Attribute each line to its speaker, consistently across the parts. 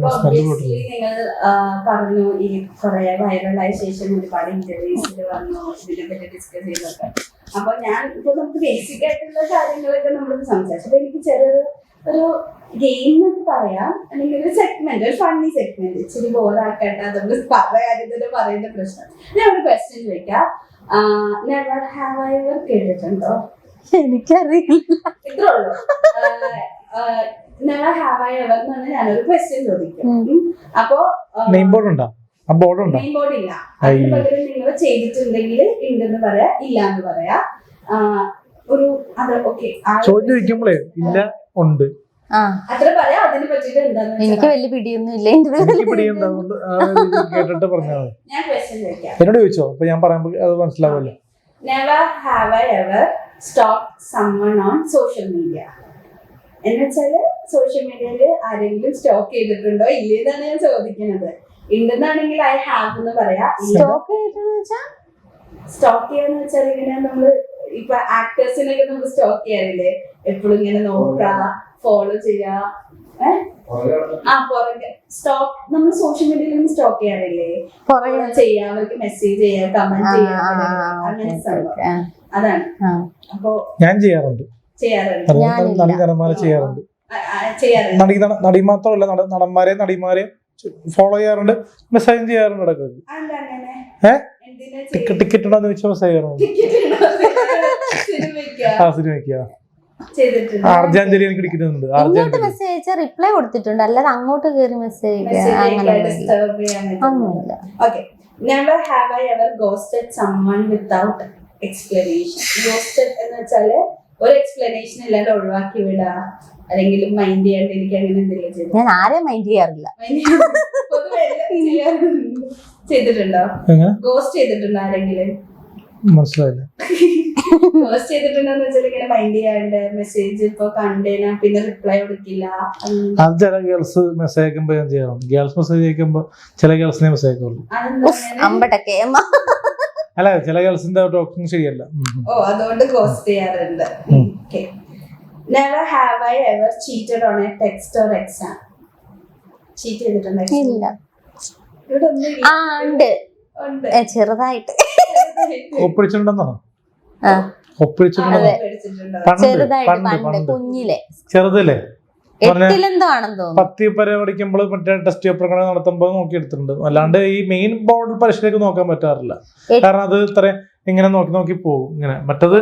Speaker 1: നിങ്ങൾ പറഞ്ഞു ഈ കുറെ വൈറലായ ശേഷം ഒരുപാട് ഇന്റർവ്യൂസിൽ വന്നു ഇതിനെ പറ്റി ഡിസ്കസ് ചെയ്തൊക്കെ. അപ്പൊ ഞാൻ ഇപ്പൊ നമുക്ക് ബേസിക് ആയിട്ടുള്ള കാര്യങ്ങളൊക്കെ നമ്മൾ സംസാരിച്ചു. അപ്പൊ എനിക്ക് ചെറിയൊരു ഗെയിം എന്നൊക്കെ പറയാം, അല്ലെങ്കിൽ ഒരു സെഗ്മെന്റ്, ഒരു ഫണ്ണി സെഗ്മെന്റ്, ഇച്ചിരി ബോറാക്കട്ടെ, നമ്മൾ കാര്യത്തിന് പറയുന്ന പ്രശ്നം. ഞാൻ ഒരു ക്വസ്റ്റ്യൻ ചോദിക്കാം. നെവർ ഹാവ് ഐ എവർ കേട്ടിട്ടുണ്ടോ?
Speaker 2: എനിക്കറിയില്ല.
Speaker 1: ഇത്രേ ഉള്ളൂ. നെവർ ഹാവ് ഐ എവർ എന്ന് പറഞ്ഞാൽ ഞാനൊരു ക്വസ്റ്റ്യൻ ചോദിക്കും. അപ്പോ
Speaker 3: നെയിം ബോർഡ് ഉണ്ടോ?
Speaker 1: നെയിം ബോർഡ് ഇല്ല. അതിന് പകരം നിങ്ങൾ ചെയ്തിട്ടുണ്ടെങ്കിൽ ഉണ്ടെന്ന് പറയാ, ഇല്ല എന്ന് പറയാ. ഒരു അത് ഓക്കെ
Speaker 3: ചോദിക്കുമ്പോഴേ ഇല്ല ഉണ്ട്
Speaker 1: അത്ര പറയാ. അതിനെ പറ്റിട്ട് എന്താന്ന്
Speaker 2: എനിക്ക് വലിയ പിടിയൊന്നും ഇല്ല.
Speaker 3: കേട്ടിട്ട് പറഞ്ഞാൽ
Speaker 1: ഞാൻ ക്വസ്റ്റ്യൻ ചോദിക്കാം.
Speaker 3: എന്നോട് ചോദിച്ചോ? അപ്പൊ ഞാൻ പറയുമ്പോ അത് മനസ്സിലാവുമല്ലോ.
Speaker 1: Never have I ever stalk someone on social media. എന്നുവെച്ചാല് സോഷ്യൽ മീഡിയയില് ആരെങ്കിലും സ്റ്റോക്ക് ചെയ്തിട്ടുണ്ടോ ഇല്ലേന്നാണ് ഞാൻ ചോദിക്കുന്നത്. ഉണ്ടെന്നാണെങ്കിൽ ഐ ഹാവ് എന്ന് പറയാ.
Speaker 2: സ്റ്റോക്ക്
Speaker 1: ചെയ്യാന്ന് വെച്ചാൽ ഇങ്ങനെ നമ്മള് ഇപ്പൊ ആക്ടേഴ്സിനൊക്കെ നമ്മൾ സ്റ്റോക്ക് ചെയ്യാറില്ലേ, എപ്പോഴും ഇങ്ങനെ നോക്കുക, ഫോളോ ചെയ്യാ. പുറകെ സ്റ്റോക്ക് നമ്മൾ സോഷ്യൽ മീഡിയയിൽ സ്റ്റോക്ക് ചെയ്യാറില്ലേ, ചെയ്യാ, അവർക്ക് മെസ്സേജ് ചെയ്യാ, കമന്റ് ചെയ്യാ, അങ്ങനെ സംഭവം. അതാണ്. അപ്പൊ ഞാൻ ചെയ്യാറുണ്ട്.
Speaker 3: നടി മാത്രമല്ല, നടിമാരെ ഫോളോ ചെയ്യാറുണ്ട്, മെസ്സേജ് ചെയ്യാറുണ്ട്. ഇടയ്ക്ക് ടിക്കറ്റ് ഉണ്ടോന്ന് ചോദിച്ചാൽ മെസ്സേജ് ചെയ്യാറുണ്ട്. സിനിമയ്ക്ക് അർജാഞ്ജലി എനിക്ക് ടിക്കറ്റ്
Speaker 2: ഇങ്ങോട്ട് മെസ്സേജ് റിപ്ലൈ കൊടുത്തിട്ടുണ്ട്, അല്ലാതെ അങ്ങോട്ട് കയറി മെസ്സേജ് അങ്ങനെയൊന്നുമില്ല.
Speaker 1: Never have I ever ghosted someone without explanation. Ghosted എന്ന് വെച്ചാല് ഒരു എക്സ്പ്ലനേഷൻ ഇല്ലാണ്ട് ഒഴിവാക്കി വിടാ, അല്ലെങ്കിൽ മൈൻഡ് ചെയ്യാണ്ട് എനിക്ക് അങ്ങനെ എന്തെങ്കിലും ചെയ്തു.
Speaker 2: ഞാൻ ആരെയും മൈൻഡ് ചെയ്യാറില്ല.
Speaker 1: ചെയ്തിട്ടുണ്ടോ? ഗോസ്റ്റ് ചെയ്തിട്ടുണ്ടോ ആരെങ്കിലും?
Speaker 3: മനസ്സിലായില്ല.
Speaker 1: ഗോസ്റ്റ് ചെയ്തിട്ടുണ്ടോന്ന് വെച്ചാൽ ഇങ്ങനെ മൈൻഡ് ചെയ്യാണ്ട് മെസ്സേജ് ഇപ്പൊ കണ്ടേനാ പിന്നെ റിപ്ലൈ കൊടുക്കില്ല.
Speaker 3: അത് ചില ഗേൾസ് മെസ്സേജ് അയക്കുമ്പോ ഞാൻ ചെയ്യാറുണ്ട്. ഗേൾസ് മെസ്സേജ് അയക്കുമ്പോ ചില ഗേൾസിനെ മെസ്സേജ് അയക്കുള്ളൂ. അല്ല, ചില ഗേൾസിന്റെ ടോക്കിംഗ് ശരിയല്ല.
Speaker 1: അതുകൊണ്ട് ഗോസ്റ്റ് ചെയ്യാറുണ്ട്. Never have I ever cheated on a text or exam. Cheat ചെയ്തിട്ടുണ്ടോ?
Speaker 2: ഇല്ല. ഉണ്ട്, ചെറുതായിട്ട്.
Speaker 3: ഒപ്പിടിച്ചിട്ടുണ്ടെന്നാണോ?
Speaker 2: കുഞ്ഞിലെ
Speaker 3: ചെറുതല്ലേ?
Speaker 2: എട്ടിലെന്തോ ആണെന്ന് തോന്നുന്നു.
Speaker 3: 10 വരെ പഠിക്കുമ്പോൾ മറ്റേ ടെസ്റ്റ് പേപ്പർ നടത്തുമ്പോൾ നോക്കിയെടുത്തിട്ടുണ്ട്. അല്ലാണ്ട് ഈ മെയിൻ ബോർഡ് പരീക്ഷയിലേക്ക് നോക്കാൻ പറ്റാറില്ല. കാരണം അത് ഇത്ര ഇങ്ങനെ നോക്കി പോകും. ഇങ്ങനെ മറ്റത്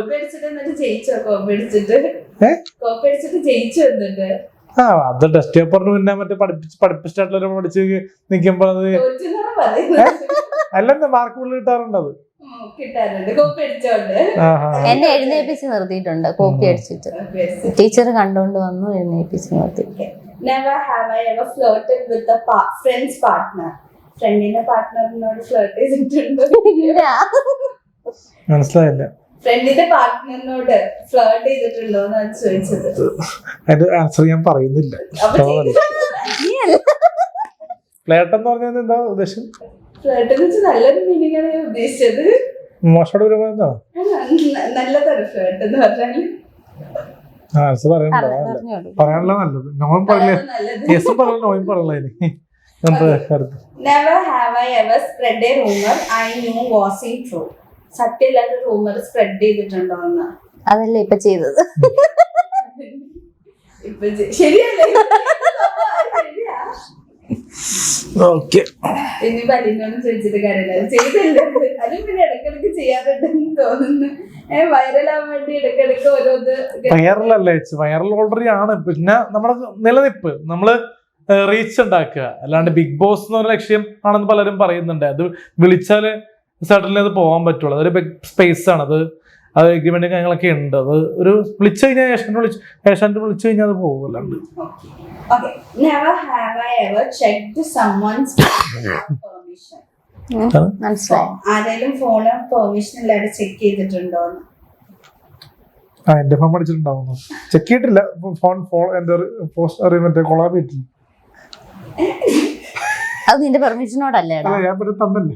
Speaker 3: അത് ടെസ്റ്റ് പേപ്പറിന് പിന്നെ മറ്റേ പഠിപ്പിച്ചിട്ടുള്ള പഠിച്ച് നിൽക്കുമ്പോൾ അത് അല്ലെന്താ മാർക്ക് ഫുള്ള് കിട്ടാറുണ്ട്. അത്
Speaker 2: എന്നെ എഴുന്നേപ്പിച്ച് നിർത്തിയിട്ടുണ്ട്, കോപ്പി അടിച്ചിട്ട്. ടീച്ചർ കണ്ടോണ്ട് വന്നു, എഴുന്നേപ്പിച്ച് നിർത്തി.
Speaker 1: Never have I ever flirted with a friend's partner. ഫ്രണ്ടിന്റെ പാർട്ട്ണറിനോട് ഫ്ലർട്ട് ചെയ്തിട്ടുണ്ടോ?
Speaker 3: മനസ്സിലായില്ല.
Speaker 1: ഫ്രണ്ടിന്റെ പാർട്ട്ണറിനോട് ഫ്ലർട്ട് ചെയ്തിട്ടുണ്ടോ എന്നാണ് ചോദിച്ചത്.
Speaker 3: അതിന്റെ ആൻസർ ഞാൻ പറയുന്നില്ല. ഫ്ലർട്ട് എന്ന് പറഞ്ഞാൽ എന്താ ഉദ്ദേശം?
Speaker 1: ഫ്ലർട്ട് എന്ന് വെച്ചാൽ നല്ലൊരു മീനിങ് ആണ് ഞാൻ ഉദ്ദേശിച്ചത്.
Speaker 3: മോശമായിട്ട് വരുമ്പോ
Speaker 1: നല്ലതാണ് ഫ്ലർട്ട് എന്ന് പറഞ്ഞാൽ.
Speaker 3: ആൻസർ പറയാനുള്ള നല്ലത്. നോയും പറയില്ല, യെസും പറയില്ല, നോയും പറയില്ല.
Speaker 1: Never have I ever spread a rumor I knew wasn't true. സത്യമില്ലാത്ത റൂമർ സ്പ്രെഡ് ചെയ്തിട്ടുണ്ടോ എന്ന്?
Speaker 2: അതല്ലേ ഇപ്പൊ ചെയ്തത്.
Speaker 1: ഇപ്പൊ ശരിയല്ലേ? ഇനി ബലിനോട് ചോദിച്ചിട്ട് കാര്യമില്ല, ചെയ്തില്ല. അതും പിന്നെ ഇടക്കിടക്ക് ചെയ്യാറുണ്ടെന്ന് തോന്നുന്നു. വൈറലാവാൻ വേണ്ടി ഇടക്കിടക്ക് ഓരോന്ന്.
Speaker 3: വൈറലല്ലേ, വൈറൽ ഓൾറെഡി ആണ്. പിന്നെ നമ്മുടെ നിലനിൽപ്പ്, നമ്മള് റീച്ച് ഉണ്ടാക്കുക, അല്ലാണ്ട് ബിഗ് ബോസ് എന്ന് പറഞ്ഞ ലക്ഷ്യം ആണെന്ന് പലരും പറയുന്നുണ്ട്. അത് വിളിച്ചാല് സഡൻലി അത് പോകാൻ പറ്റുള്ളൂ. അതൊരു ബിഗ് സ്പേസ് ആണ്. അത് എഗ്രിമെന്റ് കാര്യങ്ങളൊക്കെ ഉണ്ട്. അത് ഒരു വിളിച്ചു കഴിഞ്ഞാൽ ഏഷ്യാനെറ്റ് വിളിച്ചു കഴിഞ്ഞാൽ അത് പോകും. അല്ലാണ്ട്
Speaker 1: ആരെങ്കിലും ഫോണ് പെർമിഷൻ ഇല്ലാതെ ചെക്ക് ചെയ്തിട്ടുണ്ടോ?
Speaker 3: എന്റെ ഫോൺ അടിച്ചിട്ടുണ്ടാവുന്നു. ചെക്ക് ചെയ്തിട്ടില്ല. ഫോൺ എന്റെ പോസ്റ്റ് കൊളാബ് ചെയ്തിട്ടില്ല.
Speaker 2: അത് നിന്റെ പെർമിഷനോടല്ലേ?
Speaker 3: ഞാൻ തന്നല്ലേ.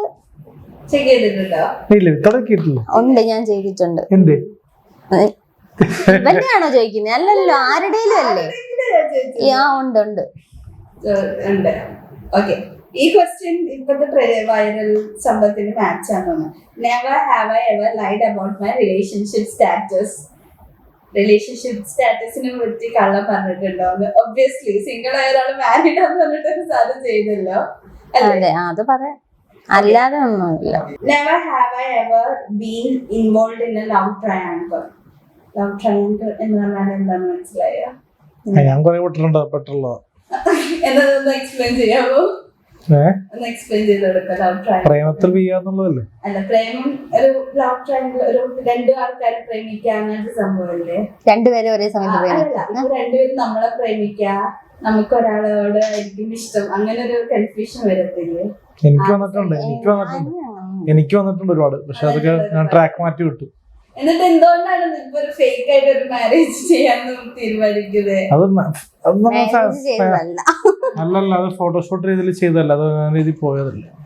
Speaker 2: ഉണ്ട്, ഞാൻ ചെയ്തിട്ടുണ്ട്. ഇവന്റെയാണോ ചോദിക്കുന്നത്? അല്ലല്ലോ, ആരുടെയും അല്ലേ? ഉണ്ട് ഉണ്ട്.
Speaker 1: ഉണ്ട്. ഓക്കെ, ഈ ക്വസ്റ്റ്യൻ ഇപ്പോഴത്തെ വൈറൽ സംഭവത്തിന് മാച്ച് ആണെന്ന്. Never have I ever lied about my relationship status. Relationship സ്റ്റാറ്റസിനെ പറ്റി കള്ളം പറഞ്ഞിട്ടുണ്ടോ? ഒബ്വിയസ്ലി സിംഗിൾ ആയ ഒരാൾ മാരീഡ് ആണെന്ന് പറഞ്ഞിട്ട് സാധനം ചെയ്തല്ലോ
Speaker 2: അതെ, അത് പറയാം, അല്ലാതെ ഒന്നുമില്ല.
Speaker 1: Never have I ever been involve in a love triangle. Love triangle എന്ന് പറഞ്ഞാൽ എന്താണെന്ന് മനസ്സിലായോ?
Speaker 3: ഞാൻ കുറെ പെട്ടുള്ളതാ.
Speaker 1: എന്നതൊന്ന് എക്സ്പ്ലെയിൻ ചെയ്യാമോ? ഒന്ന് എക്സ്പ്ലെയിൻ ചെയ്ത് കൊടുക്കാം. ലവ് ട്രയാങ്കിൾ
Speaker 3: പ്രേമത്തിൽ വീയാന്നുള്ളതല്ലേ?
Speaker 1: അല്ല, പ്രേമം ഒരു ലവ് ട്രയാങ്കിൾ, ഒരു രണ്ടു ആൾക്കാരെ പ്രേമിക്കുക അങ്ങനത്തെ സംഭവമല്ലേ?
Speaker 2: രണ്ടുപേരും ഒരേ സമയത്ത്
Speaker 1: അല്ല, ഇപ്പൊ രണ്ടുപേരും നമ്മളെ പ്രേമിക്കുക, നമുക്ക് ഒരാളോട് ആയിരിക്കും ഇഷ്ടം, അങ്ങനെ ഒരു കൺഫ്യൂഷൻ വരത്തില്ലേ?
Speaker 3: എനിക്ക് വന്നിട്ടുണ്ട് ഒരുപാട്. പക്ഷെ അതൊക്കെ ഞാൻ ട്രാക്ക് മാറ്റി വിട്ടു.
Speaker 1: എന്നിട്ട് എന്തുകൊണ്ടാണ് ഇപ്പൊ ഒരു ഫേക്ക് ആയിട്ട് ഒരു മാരേജ് ചെയ്യാന്ന് തീരുമാനിക്കുന്നത്?
Speaker 3: അല്ലല്ല, അത് ഫോട്ടോഷൂട്ട് രീതിയിൽ ചെയ്തല്ല, അത് ആ രീതി പോയതല്ല.